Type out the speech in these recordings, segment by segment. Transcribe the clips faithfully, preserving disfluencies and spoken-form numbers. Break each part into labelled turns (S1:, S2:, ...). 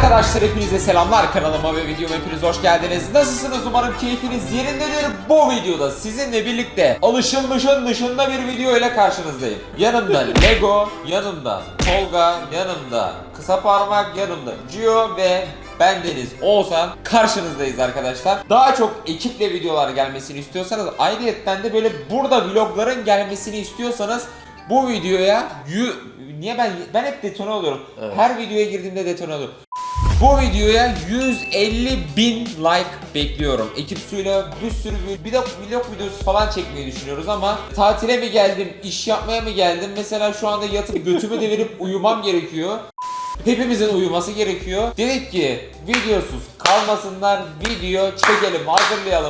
S1: Arkadaşlar hepinize selamlar, kanalıma ve videoma hepiniz hoş geldiniz. Nasılsınız? Umarım keyfiniz yerindedir. Bu videoda sizinle birlikte alışılmışın dışında bir video ile karşınızdayım. Yanımda Lego, yanımda Tolga, yanımda Kısa Parmak, yanımda Gio ve bendeniz Oğuzhan karşınızdayız arkadaşlar. Daha çok ekiple videolar gelmesini istiyorsanız, ayrıyetten de böyle burada vlogların gelmesini istiyorsanız bu videoya yu... Niye ben ben hep detone oluyorum. Evet. Her videoya girdiğimde detone oluyorum. Bu videoya yüz elli bin like bekliyorum. Ekip suyla bir sürü bir de vlog videosu falan çekmeyi düşünüyoruz ama tatile mi geldim, iş yapmaya mı geldim? Mesela şu anda yatıp götümü devirip uyumam gerekiyor. Hepimizin uyuması gerekiyor. Dedik ki videosuz kalmasınlar, video çekelim, hazırlayalım.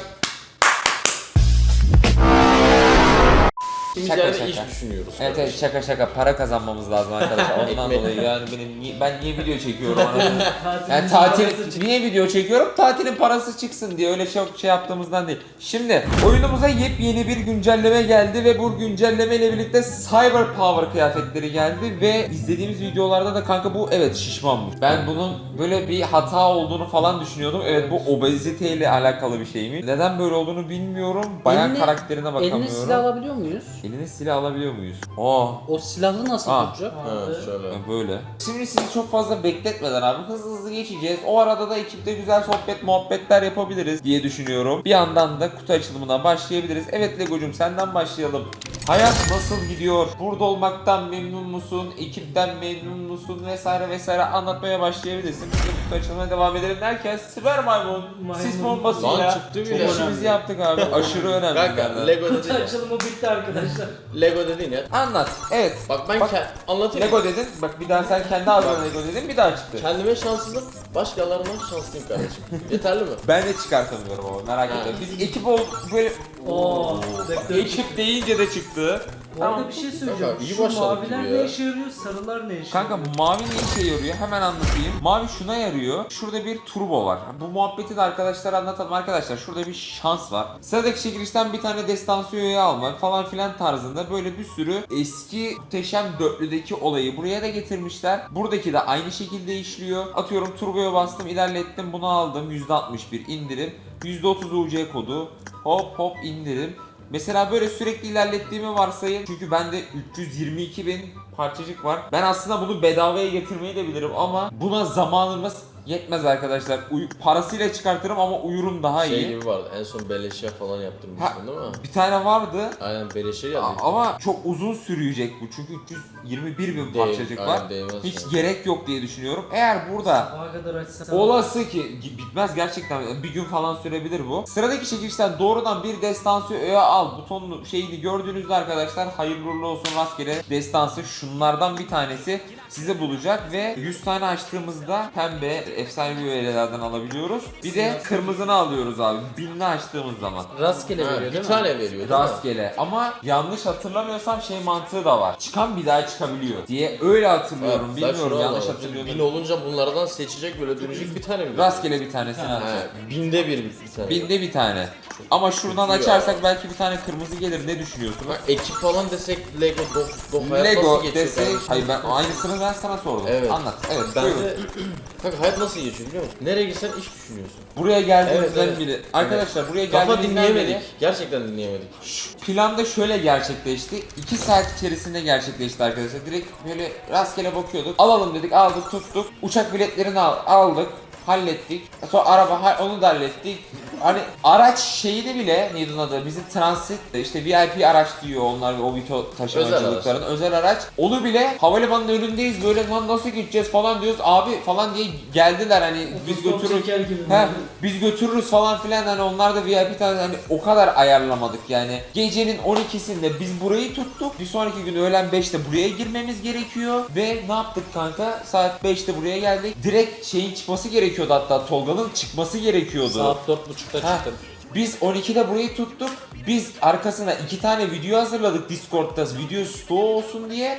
S2: Şaka şaka. İş düşünüyoruz.
S1: Evet evet, şaka şaka, para kazanmamız lazım arkadaşlar. Ondan dolayı yani benim niye, ben niye video çekiyorum yani tatil niye video çekiyorum? Tatilin parası çıksın diye, öyle çok şey yaptığımızdan değil. Şimdi oyunumuza yepyeni bir güncelleme geldi ve bu güncelleme ile birlikte Cyber Power kıyafetleri geldi ve izlediğimiz videolarda da kanka bu evet şişmanmış. Ben bunun böyle bir hata olduğunu falan düşünüyordum. Evet, bu obezite ile alakalı bir şey mi? Neden böyle olduğunu bilmiyorum. Bayağı eline, karakterine bakamıyorum.
S3: Eline silah alabiliyor muyuz?
S1: Eline silah alabiliyor muyuz? Aa.
S3: O silahı nasıl
S1: Aa.
S3: tutacak?
S2: Evet, şöyle.
S1: Böyle. Şimdi sizi çok fazla bekletmeden abi hızlı hızlı geçeceğiz. O arada da ekipte güzel sohbet muhabbetler yapabiliriz diye düşünüyorum. Bir yandan da kutu açılımına başlayabiliriz. Evet Lego'cum, senden başlayalım. Hayat nasıl gidiyor? Burada olmaktan memnun musun? Ekipten memnun musun? Vesaire vesaire anlatmaya başlayabilirsin. Biz de kutu açılımına devam edelim derken siber maymun, sis bombasıyla
S2: Lan çıktı bile.
S1: çok işimizi yaptık abi. Aşırı önemli.
S2: Kanka Lego
S3: Kutu
S2: dedin ya.
S3: açılımı bitti arkadaşlar.
S2: Lego dedin ya.
S1: Anlat. Evet.
S2: Bak ben
S1: Bak,
S2: ke- anlatayım.
S1: Lego dedin. Bak bir daha sen kendi ağzına Lego dedin, bir daha çıktı.
S2: Kendime şanssızım, başkalarına şanslıyım kardeşim. Yeterli mi?
S1: Ben de çıkartamıyorum ama merak etme. Biz ekip ol böyle
S3: Oo.
S1: ekip deyince de çıktı.
S4: Bu arada bir şey söyleyeceğim.
S2: Kanka, iyi
S4: Şu
S2: başladık
S4: maviler
S2: gibi
S4: ne
S2: ya.
S4: işe yarıyor, sarılar ne işe
S1: Kanka
S4: yarıyor?
S1: mavi ne işe yarıyor? Hemen anlatayım. Mavi şuna yarıyor. Şurada bir turbo var. Bu muhabbeti de arkadaşlara anlatalım. Arkadaşlar şurada bir şans var. Sıradaki çekilişten bir tane destansiyoyu almak falan filan tarzında böyle bir sürü eski muhteşem dörtlüdeki olayı buraya da getirmişler. Buradaki de aynı şekilde işliyor. Atıyorum turboya bastım, ilerlettim, bunu aldım. yüzde altmış bir indirim. yüzde otuz U C kodu. Hop hop indirim. Mesela böyle sürekli ilerlettiğimi varsayın. Çünkü bende üç yüz yirmi iki bin parçacık var. Ben aslında bunu bedavaya getirmeyi de bilirim ama buna zamanımız yetmez arkadaşlar. Uy- parasıyla çıkartırım ama uyurum daha
S2: Şey
S1: iyi.
S2: gibi vardı. En son beleşe falan yaptırmıştın değil mi?
S1: Bir tane vardı.
S2: Aynen beleşe
S1: A-
S2: geldi.
S1: ama çok uzun sürüyecek bu. Çünkü üç yüz yirmi bir bin
S2: Değil,
S1: parçacık
S2: aynen,
S1: var.
S2: değmez
S1: Hiç
S2: yani.
S1: gerek yok diye düşünüyorum. Eğer burada
S4: Sabaha kadar açsam.
S1: olası ki bitmez gerçekten, bir gün falan sürebilir bu. Sıradaki çekilişten doğrudan bir destansiyo öğe al butonlu şeyini gördüğünüzde arkadaşlar hayırlı uğurlu olsun, rastgele destansı şunlardan bir tanesi size bulacak ve yüz tane açtığımızda pembe efsanevi öğelerden alabiliyoruz. Bir de kırmızını alıyoruz abi binli açtığımız zaman.
S3: Rastgele
S2: Ha,
S3: veriyor
S2: bir
S3: değil mi?
S2: tane veriyor değil mi?
S1: Rastgele ama yanlış hatırlamıyorsam şey mantığı da var. Çıkan bir daha çıkabiliyor diye öyle hatırlıyorum.
S2: Ha,
S1: Bilmiyorum,
S2: şunu
S1: yanlış
S2: alalım.
S1: hatırlıyorum.
S2: Bin olunca bunlardan seçecek, böyle dönecek bir tane mi?
S1: Rastgele bir tanesini
S2: Ha,
S1: alacak.
S2: binde bir bir tane.
S1: Binde bir tane. Ama şuradan
S2: Kötü
S1: açarsak
S2: ya.
S1: belki bir tane kırmızı gelir. Ne düşünüyorsunuz?
S2: Bak, ekip falan desek Lego doh doh hayat
S1: Lego
S2: nasıl geçiyor
S1: desek,
S2: kardeşim?
S1: hayır ben aynısını ben sana sordum.
S2: Evet.
S1: Anlat. Evet.
S2: Ben
S1: buyurun.
S2: de kanka hayat nasıl geçiyor biliyor musun? Nereye gitsen iş düşünüyorsun.
S1: Buraya geldiğimizden
S2: Evet, evet.
S1: biri. Arkadaşlar buraya
S2: Kafa
S1: geldiğimizden
S2: dinleyemedik.
S1: beri
S2: Gerçekten dinleyemedik.
S1: şu planda şöyle gerçekleşti. iki saat içerisinde gerçekleşti arkadaşlar. Direkt böyle rastgele bakıyorduk. Alalım dedik, aldık, tuttuk. Uçak biletlerini al, aldık. Hallettik. Sonra araba ha- onu da hallettik. Hani araç şeyi de bile neydi onun adı? Bizim transit işte V I P araç diyor onlar, o Vito taşımacılıkların özel araç. Onu bile havalimanının önündeyiz böyle, lan nasıl gideceğiz falan diyoruz. Abi falan diye geldiler hani biz
S4: Otostop
S1: götürürüz.
S4: çeker gibi.
S1: He, biz götürürüz falan filan, hani onlar da V I P tarzı, hani o kadar ayarlamadık yani. Gecenin on ikisinde biz burayı tuttuk. Bir sonraki gün öğlen beşte buraya girmemiz gerekiyor ve ne yaptık kanka? Saat beşte buraya geldik. Direkt şeyin çıkması gerekiyordu, hatta Tolga'nın çıkması gerekiyordu.
S3: Saat dört buçukta
S1: Ha,
S3: çıktım.
S1: biz on ikide burayı tuttuk. Biz arkasına iki tane video hazırladık Discord'da, video stoğu olsun diye.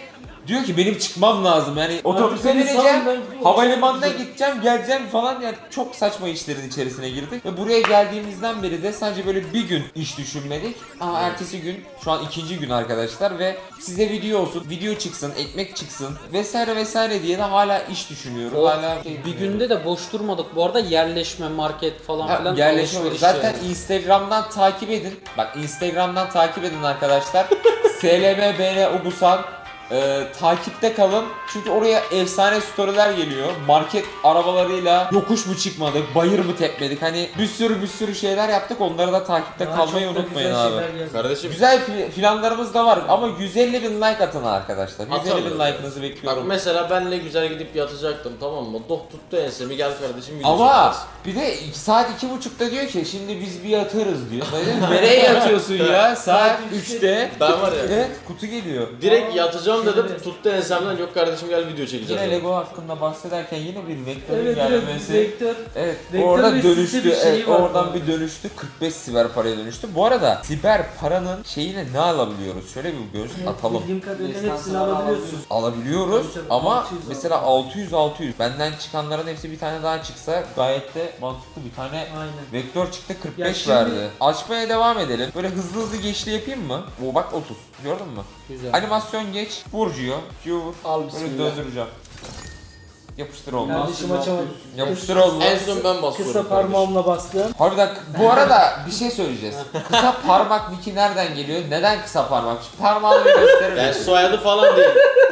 S1: Diyor ki benim çıkmam lazım yani otobüse
S3: beni
S1: bineceğim,
S3: salın, ben-
S1: havalimanına gideceğim, geleceğim falan yani çok saçma işlerin içerisine girdik. Ve buraya geldiğimizden beri de sadece böyle bir gün iş düşünmedik. Ama ertesi gün, şu an ikinci gün arkadaşlar ve size video olsun, video çıksın, ekmek çıksın vesaire vesaire diye de hala iş düşünüyoruz.
S3: O
S1: Hala şey
S3: bir günde de boş durmadık. Bu arada yerleşme, market falan
S1: Ha,
S3: filan.
S1: yerleşme.
S3: alışveriş
S1: Zaten
S3: yani.
S1: Instagram'dan takip edin. Bak Instagram'dan takip edin arkadaşlar. S L M B N Ogusan e, takipte kalın. Çünkü oraya efsane storyler geliyor. Market arabalarıyla yokuş mu çıkmadık, bayır mı tepmedik. Hani bir sürü bir sürü şeyler yaptık. Onları da takipte
S4: Daha
S1: kalmayı
S4: çok da
S1: unutmayın
S4: güzel
S1: abi.
S4: şeyler geldi.
S2: Kardeşim
S1: Güzel fi- planlarımız da var ama yüz elli bin like atın arkadaşlar. yüz elli bin
S2: Atalım.
S1: like'ınızı
S2: bak
S1: bekliyorum.
S2: mesela benle güzel gidip yatacaktım, tamam mı? Doh tuttu ensemi, gel kardeşim video
S1: Ama
S2: çekeceğiz.
S1: bir de iki saat iki buçukta diyor ki şimdi biz bir yatarız diyor. Ben dedim, nereye yatıyorsun ya? Saat üçte.
S2: Ben var ya
S1: Evet, kutu geliyor.
S2: direkt yatacağım dedim,
S4: Şöyle.
S2: tuttu ensemden, yok kardeşim gel video çekeceğiz.
S1: Yine
S2: dedim.
S1: Lego hakkında bahsederken yine bir vektörün
S4: Evet evet
S1: gelmesi.
S4: vektör.
S1: Evet,
S4: Vektör
S1: orada
S4: ve
S1: dönüştü.
S4: site bir şeyi
S1: Evet,
S4: var
S1: oradan
S4: bu
S1: bir dönüştü. kırk beş siber paraya dönüştü. Bu arada siber paranın şeyine ne alabiliyoruz? Şöyle bir göz atalım.
S4: Bildiğim kadarıyla hepsini
S3: Lisansları
S4: alabiliyorsun.
S1: Alabiliyoruz
S4: Tabii tabii,
S1: ama
S4: altı yüz
S1: mesela altı yüz altı yüz. Benden çıkanların hepsi bir tane daha çıksa gayet de mantıklı bir tane
S4: Aynen.
S1: vektör çıktı kırk beş
S4: Ya şimdi-
S1: verdi. Açmaya devam edelim. Böyle hızlı hızlı geçli yapayım mı? O bak otuz. Gördün mü?
S3: Güzel.
S1: Animasyon geç. Burcuyor. Q vur.
S3: Al
S1: Böyle
S3: bismillah.
S1: döndüreceğim. Yapıştır olmaz.
S4: Kardeşim açamadım.
S1: Yapıştır olmaz.
S2: En son ben basıyorum.
S4: Kısa
S2: kardeşim.
S4: parmağımla bastım.
S1: Harbiden bu arada bir şey söyleyeceğiz. Kısa parmak Niki nereden geliyor? Neden kısa parmak? Şu parmağını bir gösterir
S2: Ben
S1: misin?
S2: soyadı falan değil.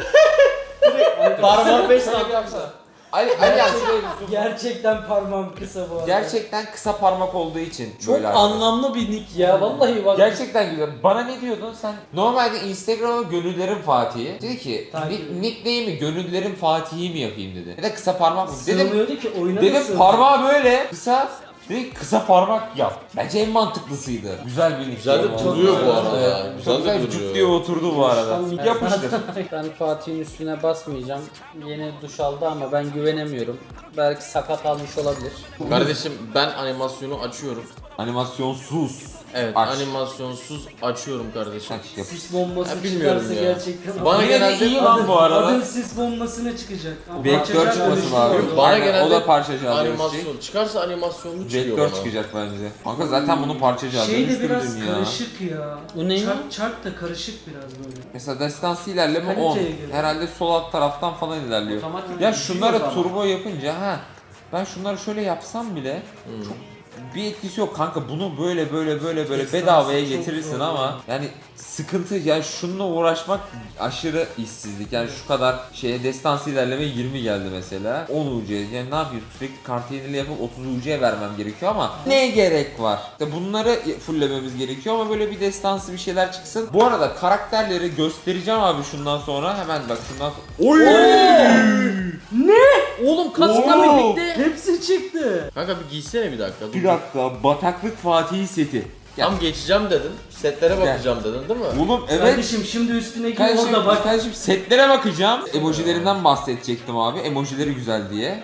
S2: Parmak beş saat yapsa.
S1: Ali, Ali yani şuraya bir zoom.
S4: Gerçekten parmağım kısa bu arada.
S1: Gerçekten kısa parmak olduğu için
S3: Çok
S1: böyle arkadaşlar.
S3: anlamlı bir nick ya. Vallahi bak.
S1: Gerçekten güzel. Bana ne diyordun sen? Normalde Instagram'a Gönüllerin Fatih'i. Dedi ki
S4: Takip
S1: nick,
S4: edin.
S1: nickname'i Gönüllerin Fatih'i mi yapayım dedi. Ya da kısa parmak mı? Dedim,
S4: Sığmıyordu ki oyuna da
S1: dedim
S4: sığmıyor.
S1: parmağı böyle kısa. Dedi ki, kısa parmak yap. Bence en mantıklısıydı. Güzel bir nick.
S2: Güzel de
S1: Yani.
S2: duruyor bu arada.
S1: Evet,
S2: ya.
S1: çok
S2: Güzel
S1: güzel
S2: de
S1: cuk
S2: duruyor.
S1: diye oturdu bu arada.
S3: Ben-
S1: Yapıştır.
S3: Ben Fatih'in üstüne basmayacağım. Yeni duş aldı ama ben güvenemiyorum. Belki sakat almış olabilir.
S2: Kardeşim ben animasyonu açıyorum.
S1: Animasyonsuz.
S2: Evet,
S1: Aç.
S2: animasyonsuz açıyorum kardeşim.
S1: Aç, yapıştır.
S4: Sis bombası
S2: Ya bilmiyorum
S4: çıkarsa
S2: ya.
S4: gerçekten.
S2: Bana
S1: Yine de
S2: genelde-
S1: iyi lan bu arada.
S4: Adın sis bombasına çıkacak. Ama
S1: Vektör
S4: parçacık
S1: çıkması
S4: dönüştü
S1: lazım.
S4: orada.
S2: Bana
S1: Aynen,
S2: genelde
S1: o da parçacı alıyor.
S2: Animasyon. Çıkarsa animasyonlu çıkıyor
S1: Vektör
S2: bana.
S1: çıkacak bence. Kanka zaten bunun parçacı alıyor.
S4: Şey de biraz
S1: Dönüştürdün ya.
S4: karışık ya.
S3: Bu ne?
S4: Çark, çark da karışık biraz böyle.
S1: Mesela destansı ilerleme
S4: Kaliteye
S1: on.
S4: göre.
S1: Herhalde sol alt taraftan falan ilerliyor.
S3: Otomatik
S1: Ya
S3: bir
S1: şunları
S3: şey o
S1: turbo yapınca ha ben şunları şöyle yapsam bile çok bir etkisi yok kanka. Bunu böyle böyle böyle böyle
S4: Destansı
S1: bedavaya
S4: çok
S1: getirirsin
S4: zor
S1: ama
S4: ya.
S1: yani sıkıntı yani şununla uğraşmak aşırı işsizlik. Yani şu kadar şeye destansı ilerleme yirmi geldi mesela. on U C yani ne yapıyorsun? Sürekli kart yenili yapıp otuz U C vermem gerekiyor ama ne gerek var? İşte bunları fulllememiz gerekiyor ama böyle bir destansı bir şeyler çıksın. Bu arada karakterleri göstereceğim abi şundan sonra. Hemen bak şundan sonra. Oy!
S3: Oğlum kaskla
S1: Oo.
S3: birlikte.
S4: Hepsi çıktı.
S2: Kanka bir giysene bir dakika. Dur.
S1: Bir dakika bataklık Fatih seti. Ya,
S2: Tam geçeceğim dedin. Setlere bakacağım dedin değil mi?
S1: oğlum evet.
S4: Kardeşim şimdi üstüne giy
S1: Kardeşim,
S4: orada bak.
S1: kardeşim setlere bakacağım. Emojilerinden bahsedecektim abi. Emojileri güzel diye.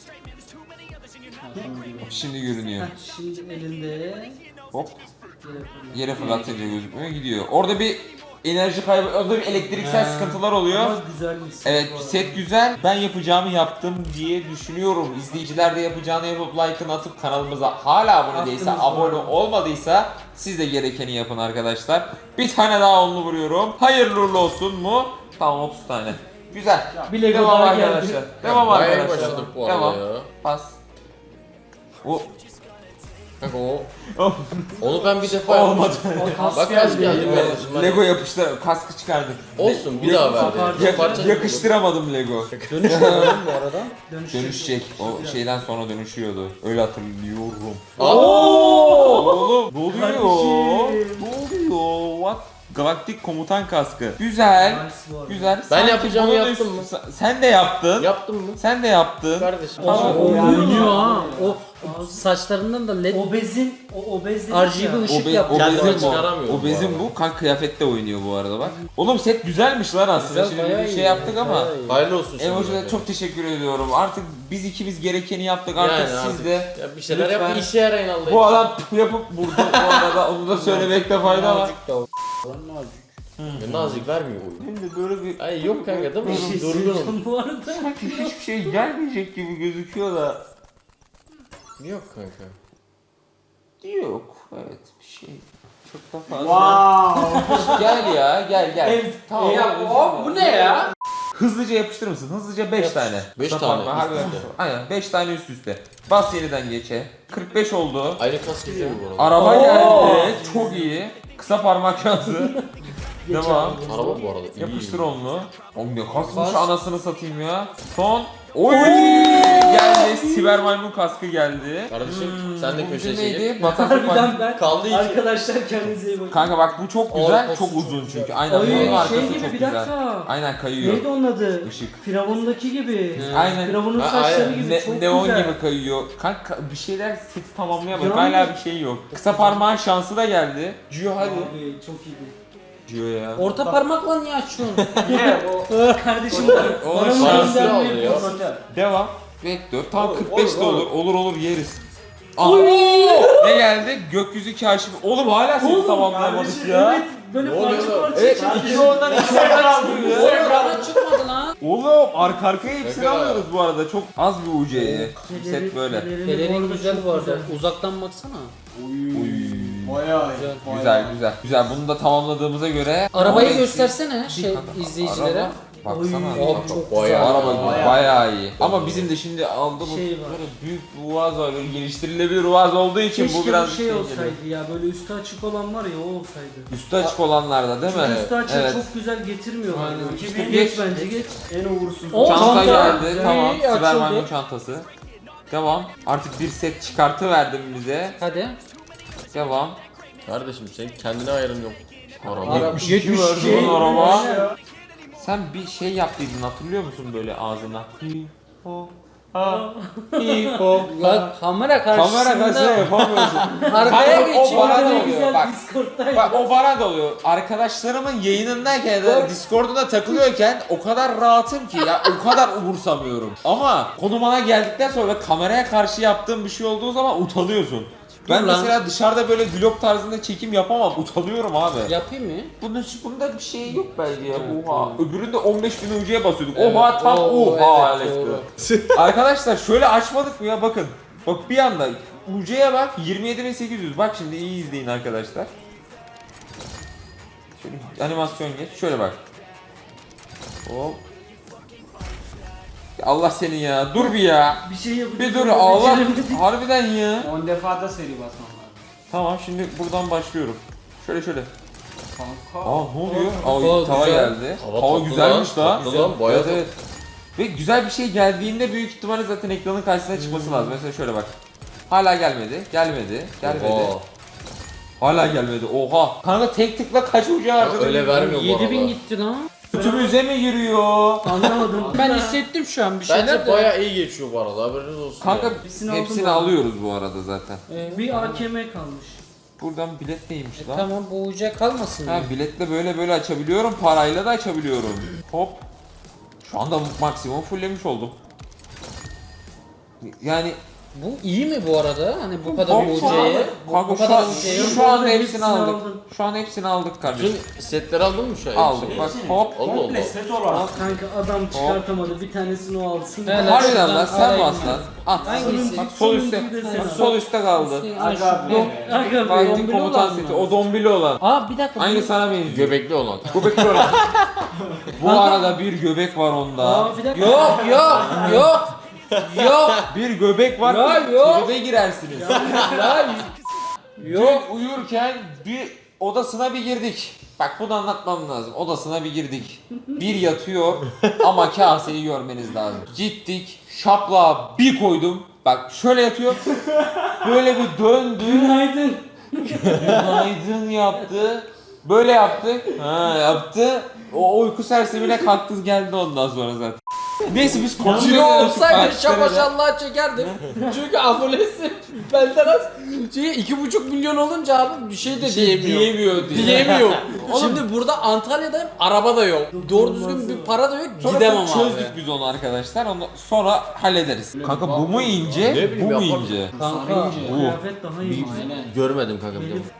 S1: Şimdi görünüyor.
S4: Heh, şimdi elinde.
S1: Hop.
S4: Yere fırlat.
S1: Yere fırlatınca gözükmüyor gidiyor. Orada bir enerji kaybı, orada bir elektriksel
S4: Ha.
S1: sıkıntılar oluyor.
S4: Ama güzelmiş.
S1: Evet
S4: bu arada.
S1: set güzel. Ben yapacağımı yaptım diye düşünüyorum. İzleyiciler de yapacağını yapıp like'ını atıp kanalımıza hala abone değilse,
S4: Aklınızda
S1: abone
S4: var.
S1: olmadıysa siz de gerekeni yapın arkadaşlar. Bir tane daha onlu vuruyorum. Hayırlı uğurlu olsun mu? Tamam otuz tane. Güzel.
S4: Bir Lego
S1: Devam
S4: daha
S1: arkadaşlar.
S4: geldi.
S1: Devam
S2: Bayağı iyi
S1: arkadaşlar.
S2: başladık bu arada
S1: Devam.
S2: ya.
S1: Pas. O
S2: Kanka o. Onu ben bir defa
S1: olmadı.
S4: O kas
S2: Bak kas
S4: geldi.
S2: geldi
S1: Evet,
S2: kardeşim. Hadi.
S1: Lego yapıştı. Kaskı çıkardık.
S2: Olsun bir daha ver.
S4: Parça-
S2: Bir parça
S1: Yakıştıramadım Lego.
S3: Dönüşmüyor lan bu arada.
S4: Dönüşecek.
S1: Dönüşecek. O şeyden sonra dönüşüyordu. Öyle hatırlıyorum.
S2: Aa,
S1: Oğlum ne oluyor?
S4: Kardeşim.
S1: Ne oluyor? What? Galaktik komutan kaskı. Güzel.
S4: Nice bu arada.
S1: Güzel.
S2: Ben
S1: Sanki
S2: yapacağımı
S1: bunun
S2: yaptım
S1: üstü- Sen- Sen de yaptın.
S2: yaptın mı?
S1: Sen de yaptın.
S2: Kardeşim.
S1: Tamam.
S3: O
S4: Yani-
S3: oynuyor ha. O saçlarından da led
S4: Obezin, o obez dedik
S3: R G B
S4: ya.
S3: ışık
S1: Obe,
S3: yaptı.
S2: Kendime
S1: obezin bu.
S2: çıkaramıyorum bu
S1: Obezin
S2: arada.
S1: bu. Kan kıyafette oynuyor bu arada bak. Oğlum set güzelmiş lan aslında.
S3: Güzel,
S1: Şimdi
S3: bayağı
S1: bir
S3: iyi
S1: şey
S3: ya,
S1: yaptık ama.
S3: bayağı iyi.
S2: Hayırlı olsun şimdi.
S1: Emoji'de çok teşekkür ediyorum. Artık biz ikimiz gerekeni yaptık. Artık
S2: Yani
S1: siz
S2: artık
S1: de
S2: ya bir şeyler
S1: lütfen-
S2: yap, bir işe yarayın Allah'ım.
S1: bu adam yapıp burada bu arada onu da söylemekte fayda var.
S3: Nazik de o. Lan nazik.
S2: Ya nazik vermiyor oyun.
S1: Hem de böyle bir
S2: Ay yok kanka değil
S4: Bir şey
S2: mi? Durgunum.
S4: söyleyeceğim bu arada.
S1: sanki hiçbir şey gelmeyecek gibi gözüküyor da.
S2: Yok kanka.
S1: Yok. Evet bir şey. Çok da fazla.
S4: Wow.
S1: Gel ya gel gel.
S4: Evet,
S1: Tamam.
S3: Ya o bu ne ya?
S1: Hızlıca yapıştırır mısın? Hızlıca beş tane.
S2: Beş
S1: Kısa
S2: tane
S1: parmağı,
S2: üst
S1: harbiden.
S2: üste.
S1: Aynen beş tane üst üste. Bas yeniden geçe. kırk beş oldu.
S2: Aynı kas gidiyor bu arada.
S1: Araba
S3: Oo.
S1: geldi. Çok iyi. Kısa parmak şansı. Devam.
S2: Araba bu arada iyi.
S1: Yapıştır onu. Oğlum ne kasmış
S3: Bas.
S1: anasını satayım ya. Son. Oy! Geldi. Siber maymun kaskı geldi.
S2: Kardeşim
S1: Hmm,
S2: sen de
S1: bu
S2: köşeye
S1: bizim
S2: çekil.
S1: neydi? Bataklık
S4: Harbiden ben.
S2: Kaldı iki.
S4: Arkadaşlar kendinize iyi bakın.
S1: Kanka bak bu çok güzel,
S2: Arkası
S1: çok
S2: çok
S1: uzun
S2: güzel.
S1: çünkü. Aynen
S4: Ay,
S1: bunun arkası
S4: şey gibi
S1: çok
S4: bir
S1: güzel.
S4: dakika.
S1: Aynen kayıyor.
S4: Neydi onun adı?
S1: Işık.
S4: Firavundaki gibi.
S1: Aynen.
S4: Firavunun
S2: Ha,
S4: saçları
S2: aynen.
S4: gibi
S1: Ne,
S4: çok
S1: neon
S4: güzel.
S1: gibi kayıyor. Kanka bir şeyler seti tamamlayamadık.
S4: Yani-
S1: Hala bir şey yok. Kısa parmağın şansı da geldi. Gio hadi.
S4: Abi çok iyiydi.
S1: Gio ya.
S3: Orta parmakla niye açıyorsun?
S4: Kardeşim
S1: O
S4: bana
S2: şanslı
S4: mı
S2: aldı ya.
S1: Devam. Vektör. Tam
S2: Olur,
S1: kırk beş de
S2: olur,
S1: olur. Olur olur yeriz. Aha. Ne geldi? Gökyüzü kaşif. Oğlum hala seti tamamlayamadık ya.
S4: Evet böyle
S2: Ne oluyor
S4: parça
S2: lan?
S4: parça.
S1: Evet iki ondan iki ondan çıkıyor ya.
S3: Oğlum bana çıkmadı lan.
S1: Oğlum arka arkaya hepsini
S2: Şaka.
S1: alıyoruz bu arada. Çok az bir U C'ye. Set böyle.
S3: Pelerin güzel bu arada. Uzaktan baksana.
S1: Uy.
S4: Bayağı
S3: Güzel.
S1: Güzel güzel. Güzel bunu da tamamladığımıza göre
S3: Arabayı
S1: Ama-
S3: göstersene şey izleyicilere.
S1: Araba, baksana.
S4: Oy.
S3: Oğlum
S1: Bak,
S3: çok
S2: Bayağı.
S3: güzel.
S1: Araba
S4: Bayağı.
S1: bayağı iyi. Ama bizim de şimdi aldığımız
S4: Şey var.
S1: böyle büyük bir Uaz var. Böyle geliştirilebilir Uaz olduğu için
S4: Keşke
S1: bu biraz
S4: bir şey
S1: geliyor.
S4: olsaydı ya böyle üstü açık olan var ya o olsaydı.
S1: Üstü açık olanlarda değil mi?
S4: Çünkü üstü açık
S1: Evet.
S4: çok güzel getirmiyorlar.
S1: Aynen.
S4: Yani.
S1: İşte
S4: geç,
S1: geç.
S4: bence geç. En uğursuz.
S3: O
S1: Çanta
S3: çanta
S1: geldi.
S3: güzel.
S1: Tamam.
S3: İyi,
S1: Siber
S3: açıldı.
S1: maymun çantası. Devam. Artık bir set çıkartı verdim bize.
S3: Hadi.
S1: Devam.
S2: Kardeşim senin kendine ayarın yok. Araba.
S3: Araba.
S1: yetmiş iki
S3: yetmiş
S1: verdi
S3: şey-
S1: lan araba.
S4: Aynen.
S1: Sen bir şey yaptıydın hatırlıyor musun böyle ağzına? Hi ho ha hi ho.
S3: Lan kamera karşısında.
S1: Kamera karşısında yapamıyorsun.
S3: Arkaya
S1: Kanka, o
S3: geçiyor.
S1: bana da
S4: Ne
S1: oluyor.
S4: güzel
S1: Bak,
S4: Discord'daydı.
S1: bak o bana da oluyor. Arkadaşlarımın yayınındayken ya da Discord'una takılıyorken o kadar rahatım ki ya o kadar umursamıyorum. Ama konu bana geldikten sonra ve kameraya karşı yaptığım bir şey olduğu zaman utanıyorsun. Ben
S3: Dur lan.
S1: mesela dışarıda böyle vlog tarzında çekim yapamam. Utanıyorum abi.
S3: Yapayım mı?
S1: Bunda, bunda bir şey yok bence ya.
S3: Evet,
S1: Oha.
S3: doğru.
S1: Öbüründe on beş bin ucuya basıyorduk.
S3: Evet,
S1: Oha tam
S3: oo,
S1: oha
S3: evet,
S1: Alex'ti. Arkadaşlar şöyle açmadık mı ya bakın. Bak bir anda ucuya bak yirmi yedi bin sekiz yüz. Bak şimdi iyi izleyin arkadaşlar. Şöyle animasyon geç. Şöyle bak. Hop. Ya Allah seni ya. Dur bir ya.
S4: Bir şey yapacağız.
S1: Bir dur
S4: ama
S1: Allah.
S4: beceremedik.
S1: Harbiden ya.
S5: on defa da seri basmam lazım.
S1: Tamam şimdi buradan başlıyorum. Şöyle şöyle.
S5: Kanka.
S1: Aa ne oluyor?
S3: Hava
S1: Aa tava
S3: güzel.
S1: geldi.
S2: Hava
S1: Hava,
S2: tatlı
S1: güzelmiş
S2: lan,
S1: lan.
S2: tatlı lan, bayağı
S1: evet, evet. Ve güzel bir şey geldiğinde büyük ihtimalle zaten ekranın karşısına çıkması lazım. Mesela şöyle bak. Hala gelmedi. Gelmedi. Gelmedi.
S2: Oha.
S1: Hala gelmedi. Oha. Kanka tek tıkla kaç ucu harcadı?
S2: öyle vermiyor bu
S3: yedi bin
S2: arada.
S3: gitti lan.
S1: Götümüze mi giriyor?
S4: Anlamadım.
S3: Ben hissettim şu an bir şeyler
S2: Bence
S3: de.
S2: bayağı iyi geçiyor bu arada haberiniz olsun.
S1: Kanka
S2: yani.
S4: Hepsini
S1: hepsini,
S4: aldım ben.
S1: alıyoruz bu arada zaten.
S3: Ee,
S4: Bir A K M kalmış.
S1: Buradan bilet neymiş
S3: e,
S1: lan?
S3: tamam bu uca kalmasın mı?
S1: Ha biletle böyle böyle açabiliyorum. Parayla da açabiliyorum. Hop. Şu anda maksimum fulllemiş oldum. Yani
S3: Bu iyi mi bu arada? Hani bu kadar
S1: Hop,
S3: ucaya. Bu,
S1: kanka
S3: bu
S1: şu
S3: kadar
S1: an,
S3: ucaya.
S1: şu an
S4: Hepsini
S1: hepsini aldık.
S4: aldın.
S1: Şu an hepsini aldık kardeşim.
S2: Bütün setleri aldın mı şu an?
S1: Aldık
S2: Hepsini?
S1: bak
S5: Hepsini.
S1: hop.
S2: Allah
S5: Komple
S2: Allah.
S5: set olarak.
S4: Al kanka adam çıkartamadı. Bir tanesini o alsın.
S3: Helal.
S1: Harbiden lan
S3: şuradan
S1: sen
S3: alayım
S1: bas
S3: ben.
S1: lan. At.
S3: Hangisi?
S1: Bak sol üstte.
S4: Sonuncuyu da sen
S1: Bak
S4: al.
S1: sol üstte kaldı.
S3: Ay, şu-
S5: Aga
S3: Yok.
S5: be.
S4: Aga be.
S1: Fighting
S3: dombili
S1: komutan
S3: olan
S1: seti.
S3: mı?
S1: O dombili olan.
S3: Aa bir dakika.
S1: Aynı
S3: bu-
S1: sana benziyor.
S2: Göbekli olan.
S1: Göbekli olan. Bu
S3: Kanka-
S1: arada bir göbek var onda.
S4: Aa bir dakika.
S3: Yok yok yok. Yok.
S1: Bir göbek var.
S3: Ya, yok.
S1: Tribe girersiniz.
S3: Ya,
S1: Yok uyurken bir odasına bir girdik. Bak bunu anlatmam lazım. Odasına bir girdik. Bir yatıyor ama kaseyi görmeniz lazım. Gittik şapla bir koydum. Bak şöyle yatıyor. Böyle bir döndü.
S4: Günaydın.
S1: Günaydın yaptı. Böyle yaptı. Ha yaptı. O uyku sersemine kalktı geldi ondan sonra zaten. Neyse biz
S3: Video
S1: konuşuyoruz.
S3: olsaydı şapaşallah çekerdim. Çünkü abonesi benden az. Şey, iki buçuk milyon olunca abi bir şey de diyemiyor.
S1: Diyemiyor diye.
S3: Diyemiyor. Şimdi burada Antalya'dayım, araba da yok. Doğru düzgün bir para da yok,
S1: Sonra
S3: gidemem abi.
S1: çözdük biz onu arkadaşlar. Onu sonra hallederiz. Kanka bu mu ince?
S2: Ne bileyim,
S1: Bu mu
S2: yaparız.
S1: ince?
S3: Kanka.
S1: Bu.
S4: Kıyafet daha iyi.
S5: Aynen.
S2: Görmedim kanka bir de.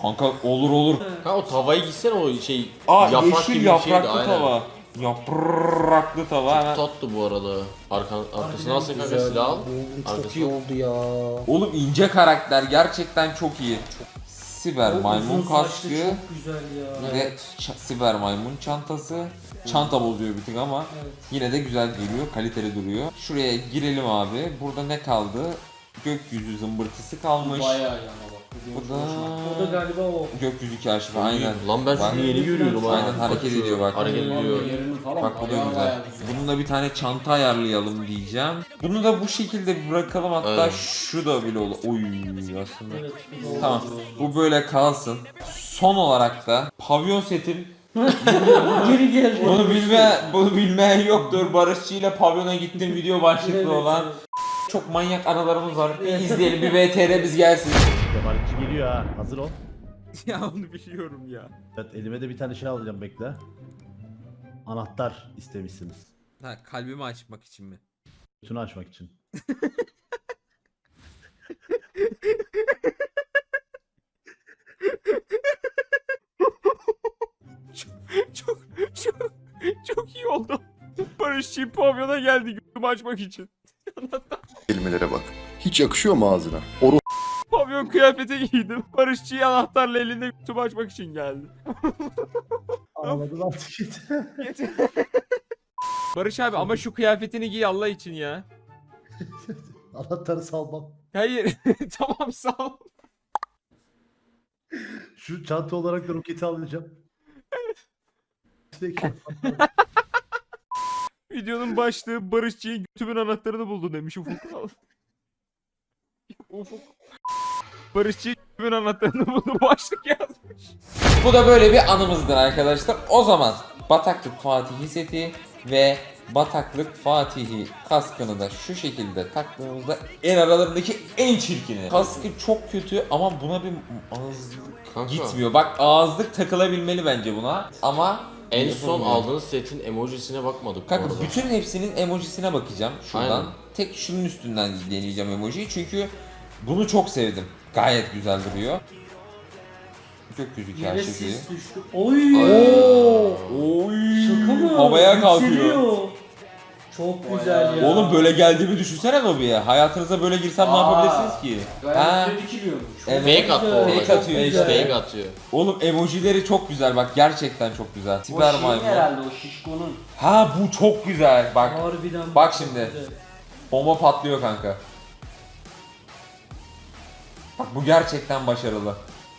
S1: Kanka olur olur.
S2: Ha o tavayı gitsene o şey
S1: Aa
S2: yaprak
S1: yeşil
S2: gibi bir
S1: yapraklı
S2: şeydi, aynen.
S1: tava. Yapraklı tava hemen.
S2: Tatlı bu arada. Arka, arkasına alsın kanka silah al.
S3: Çok
S2: Arkasına.
S3: iyi oldu ya.
S1: Oğlum ince karakter gerçekten çok iyi. Siber
S4: O
S1: maymun
S4: uzun saçlı
S1: kaskı.
S4: çok güzel ya.
S1: Bir de ç- siber maymun çantası. Çanta bozuyor bir tık ama
S4: Evet.
S1: yine de güzel geliyor, kaliteli duruyor. Şuraya girelim abi. Burada ne kaldı? Gökyüzü zımbırtısı kalmış.
S3: Bayağı yana bak.
S1: Bu da
S4: O da galiba o.
S1: gökyüzü kaşifi aynen.
S2: Lan ben
S1: Bak.
S2: şunu yeni görüyorum ha.
S1: Aynen, hareket ediyor bak.
S2: Hareket ediyor.
S3: Yerini falan
S1: Bak bu da
S3: bayağı
S1: güzel.
S3: bayağı güzel.
S1: Bununla bir tane çanta ayarlayalım diyeceğim. Bunu da bu şekilde bir bırakalım, hatta
S2: Evet.
S1: şu da bile olur. Oy aslında.
S4: Evet. bu da
S1: Tamam.
S4: o.
S1: Bu böyle kalsın. Son olarak da pavyon setim.
S4: Geri geldi.
S1: Bunu bilme, bunu bilmeyen yoktur. Barışçı ile pavyona gittim video başlıklı
S4: Evet,
S1: olan.
S4: evet.
S1: Çok manyak anılarımız var. Bir izleyelim, bir V T R biz gelsin.
S6: Kemalci geliyor ha. Hazır ol.
S1: Ya onu biliyorum ya.
S6: Evet, elime de bir tane şey alacağım, bekle. Anahtar istemişsiniz.
S1: Ha, kalbimi açmak için mi?
S6: Bütünü açmak için.
S1: Çok çok çok iyi oldu. Barışçı pavyona geldi gözümü açmak için.
S7: Kelimelere bak. Hiç yakışıyor mu ağzına? Oru
S1: Pavyon kıyafeti giydim. Barışçı anahtarla elinde gözümü açmak için geldi.
S6: Anladın artık git.
S1: Barış abi ama şu kıyafetini giy Allah için ya.
S6: Anahtarı salmam.
S1: Hayır. Tamam sağ ol.
S6: Şu çanta olarak da roketi alacağım. Sürekli-
S1: Videonun başlığı Barışçı'nın götümün anahtarını buldu demiş Ufuk. Ufuk. Barışçı götümün anahtarını buldu başlık yazmış. Bu da böyle bir anımızdır arkadaşlar. O zaman Bataklık Fatihi seti ve Bataklık Fatihi kaskını da şu şekilde taktığımızda en aralarındaki en çirkini. Kaskı çok kötü ama buna bir ağızlık
S2: Kanka.
S1: gitmiyor. Bak ağızlık takılabilmeli bence buna ama
S2: En son
S1: yapılmıyor.
S2: aldığınız setin emojisine bakmadık bu
S1: Kanka
S2: arada.
S1: bütün hepsinin emojisine bakacağım şuradan.
S2: Aynen.
S1: Tek şunun üstünden deneyeceğim emojiyi çünkü bunu çok sevdim. Gayet güzel duruyor. Gökyüzü
S4: Yere
S1: kaşifi.
S4: sis düştü. Oy.
S1: Oy.
S4: Şaka mı?
S1: Havaya kalkıyor.
S4: Yükseliyor. Çok güzel ya.
S1: Oğlum böyle geldiğimi düşünsene lobiye. Hayatınıza böyle girsem ne
S3: Aa.
S1: yapabilirsiniz ki? Ha.
S3: Gayet üstüne dikiliyormuş.
S1: Evet.
S2: Fake attı
S4: güzel,
S2: orada.
S1: fake atıyor
S2: Hiç
S1: işte.
S2: Fake atıyor.
S1: Oğlum emojileri çok güzel bak, gerçekten çok güzel.
S5: O
S1: Siber
S5: şey
S1: maymun.
S5: herhalde o şişkonun.
S1: Ha bu çok güzel bak.
S4: Harbiden
S1: Bak
S4: çok
S1: şimdi.
S4: güzel.
S1: Bomba patlıyor kanka. Bak bu gerçekten başarılı.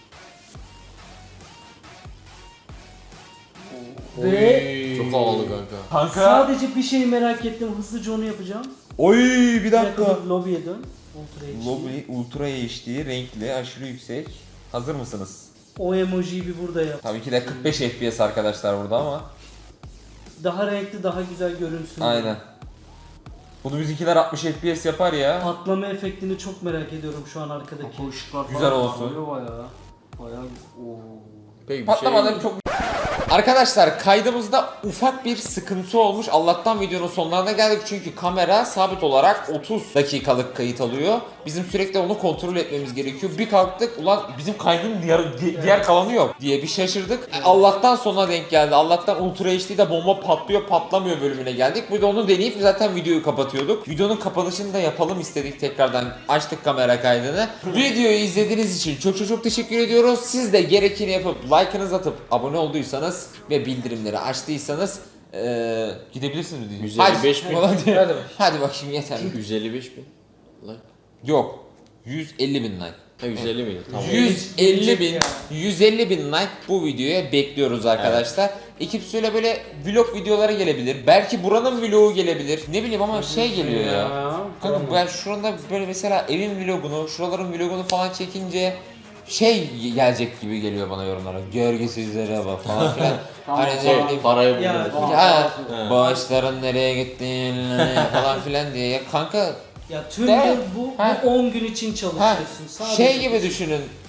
S4: Ve
S2: Çok havalı kanka.
S1: Kanka.
S4: sadece bir şey merak ettim. Hızlıca onu yapacağım.
S1: Oy bir
S4: Bir
S1: dakika.
S4: dakika lobiye dön. Ultra H D.
S1: Lobby Ultra H D, renkli, aşırı yüksek. Hazır mısınız?
S4: O emojiyi bir burada yap.
S1: Tabii ki de kırk beş F P S arkadaşlar burada ama.
S4: Daha renkli, daha güzel görünsün.
S1: Aynen. Bunu bizimkiler altmış F P S yapar ya.
S4: Patlama efektini çok merak ediyorum şu an arkadaki.
S5: O ışıklar
S1: Güzel
S5: falan
S1: olsun.
S5: parlıyor Bayağı. Bayağı. Oo.
S2: Peki bir
S1: Patlamaları
S2: şey...
S1: çok... Arkadaşlar kaydımızda ufak bir sıkıntı olmuş. Allah'tan videonun sonlarına geldik çünkü kamera sabit olarak otuz dakikalık kayıt alıyor. Bizim sürekli onu kontrol etmemiz gerekiyor. Bir kalktık ulan bizim kaydın diğer, di- diğer kalanı yok diye bir şaşırdık. Allah'tan sona denk geldi. Allah'tan Ultra H D'de bomba patlıyor patlamıyor bölümüne geldik. Bir de onu deneyip zaten videoyu kapatıyorduk. Videonun kapanışını da yapalım istedik tekrardan. Açtık kamera kaydını. Videoyu izlediğiniz için çok çok çok teşekkür ediyoruz. Siz de gerekeni yapıp like'ınızı atıp abone olduysanız ve bildirimleri açtıysanız eee gidebilirsiniz diyeceğim.
S2: yüz elli beş
S1: Hadi,
S2: bin.
S1: falan diye.
S3: Hadi.
S1: Hadi bakayım yeter.
S2: yüz elli beş bin. Like.
S1: Yok. yüz elli bin like.
S2: Ha yüz elli miydi? Tamam.
S1: yüz elli bin, yüz elli bin like bu videoya bekliyoruz arkadaşlar. Ekip söyle böyle vlog videoları gelebilir. Belki buranın vlogu gelebilir. Ne bileyim ama şey geliyor ya. Kanka ben şurada böyle mesela evin vlogunu, şuraların vlogunu falan çekince şey gelecek gibi geliyor bana yorumlara. Görgüsüzlere bak falan filan. Hani ne
S2: Şey,
S1: bileyim.
S2: parayı
S4: Ya,
S2: buldum.
S1: Ha,
S2: He.
S1: bağışların nereye gittiğini falan filan diye. Ya kanka
S4: Ya tüm
S1: De-
S4: yıl bu,
S1: Ha.
S4: bu on gün için
S1: ha,
S4: çalışıyorsun. Sadece
S1: şey gibi düşünün.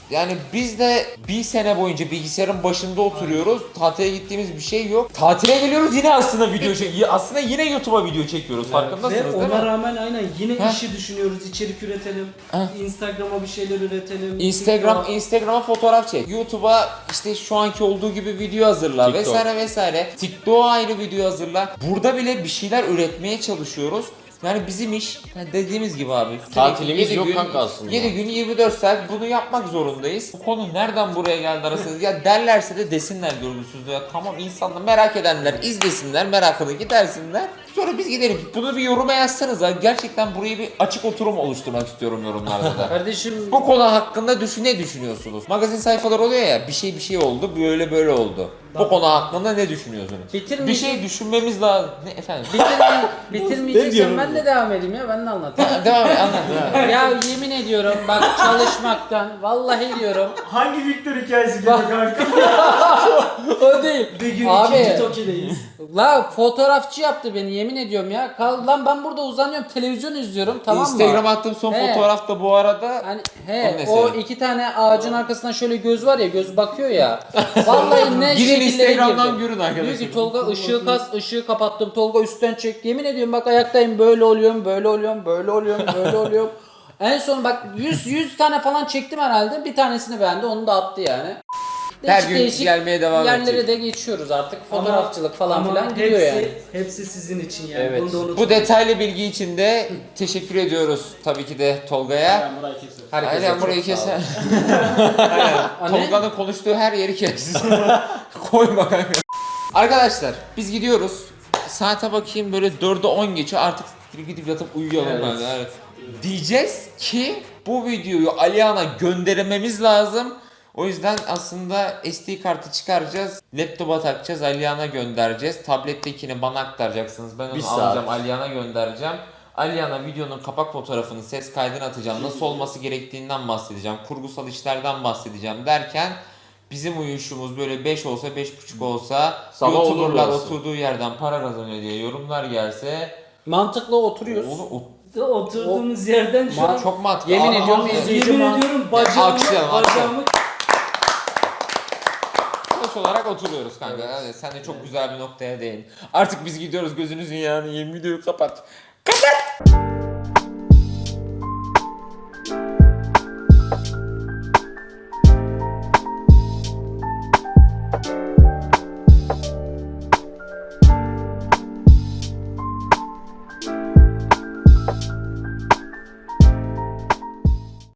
S1: Yani biz de bir sene boyunca bilgisayarın başında oturuyoruz. Tatile gittiğimiz bir şey yok. Tatile geliyoruz yine aslında video çek. Aslında yine YouTube'a video çekiyoruz. Farkındasınız
S4: Ve
S1: değil mi?
S4: ona rağmen aynen yine
S1: Heh.
S4: işi düşünüyoruz. İçerik üretelim.
S1: Heh.
S4: Instagram'a bir şeyler üretelim.
S1: Instagram,
S4: TikTok'a-
S1: Instagram'a fotoğraf çek. YouTube'a işte şu anki olduğu gibi video hazırla
S2: TikTok.
S1: vesaire vesaire. TikTok'a ayrı video hazırla. Burada bile bir şeyler üretmeye çalışıyoruz. Yani bizim iş yani dediğimiz gibi abi. sürekli
S2: Tatilimiz
S1: yedi
S2: yok
S1: gün,
S2: kanka aslında.
S1: yedi gün yirmi dört saat bunu yapmak zorundayız. Bu konu nereden buraya geldi arasında? Ya derlerse de desinler görgüsüzlüğü. Ya tamam insanlar merak edenler izlesinler, merakını gidersinler. Sonra biz gidelim. Bunu bir yoruma yazsanız ha. Gerçekten burayı bir açık oturum oluşturmak istiyorum yorumlarda da.
S3: Kardeşim
S1: Bu konu hakkında düşün ne düşünüyorsunuz? Magazin sayfaları oluyor ya bir şey bir şey oldu böyle böyle oldu. Bu konu hakkında ne düşünüyorsunuz?
S3: Bitirmeyecek-
S1: Bir şey düşünmemiz lazım. Ne efendim?
S3: bitirme,
S6: Ne
S3: bitirmeyeceksen
S6: diyorum
S3: ben de devam edeyim ya ben de anlatayım.
S1: Devam et anlat. devam et.
S3: Ya yemin ediyorum bak çalışmaktan vallahi diyorum
S5: Hangi Victor hikayesi gibi kanka?
S3: o değil.
S4: Bir gün
S3: Abi.
S4: ikinci Toki'deyiz.
S3: La fotoğrafçı yaptı beni yemin ediyorum ya. Kal, lan ben burada uzanıyorum televizyon izliyorum tamam mı?
S1: Instagram'a attığım son
S3: He.
S1: fotoğraf da bu arada.
S3: Hani
S1: O
S3: he
S1: ne
S3: o
S1: senin?
S3: iki tane ağacın arkasından şöyle göz var ya göz bakıyor ya. Vallahi ne
S1: Gidin
S3: şekillere
S1: Instagram'dan
S3: girdim.
S1: görün
S3: Diyor
S1: arkadaşlar.
S3: ki Tolga ışığı kas ışığı kapattım Tolga üstten çek. Yemin ediyorum bak ayaktayım böyle oluyorum böyle oluyorum böyle oluyorum böyle oluyorum. En son bak yüz yüz tane falan çektim herhalde. Bir tanesini beğendi onu da attı yani.
S1: Her gün gelmeye devam
S3: yerlere
S1: edecek.
S3: de geçiyoruz artık. Fotoğrafçılık falan
S4: Ama
S3: filan gidiyor
S4: hepsi,
S3: yani.
S4: Hepsi sizin için yani.
S3: Evet.
S4: Bunu da unutmayın.
S1: Bu detaylı bilgi için de teşekkür ediyoruz tabii ki de Tolga'ya.
S3: Herkese
S1: Aynen
S3: çok
S1: burayı
S3: sağ olun.
S1: keser. Aynen.
S3: Anne?
S1: Tolga'nın konuştuğu her yeri kes. Koyma kanka. Arkadaşlar biz gidiyoruz. Saate bakayım böyle dörde on geçiyor artık gidip yatıp uyuyalım
S3: Evet.
S1: kanka. Evet. Diyeceğiz ki bu videoyu Aliyan'a göndermemiz lazım. O yüzden aslında S D kartı çıkaracağız. Laptopa takacağız. Aliyan'a göndereceğiz. Tablettekini bana aktaracaksınız. Ben onu
S2: Bir saat.
S1: alacağım. Aliyan'a göndereceğim. Aliyan'a videonun kapak fotoğrafını, ses kaydını atacağım. Nasıl olması gerektiğinden bahsedeceğim. Kurgusal işlerden bahsedeceğim derken bizim uyuşumuz böyle beş olsa beş buçuk olsa
S2: Sabah
S1: YouTuber'lar
S2: olurlarsa.
S1: oturduğu yerden para kazanıyor diye yorumlar gelse
S3: Mantıklı oturuyoruz.
S1: onu o-
S4: Oturduğumuz yerden şu an
S1: çok mantıklı.
S3: Yemin
S1: Aa,
S3: ediyorum
S1: aa,
S3: izleyici
S4: yemin
S3: man-
S4: ediyorum bacağımı,
S1: Alkışlayalım, alkışlayalım.
S4: bacağımı
S1: Boş olarak oturuyoruz kanka. Hadi sen de çok güzel bir noktaya değin. Artık biz gidiyoruz gözünüzün yağını yiyeyim videoyu kapat. Kapat!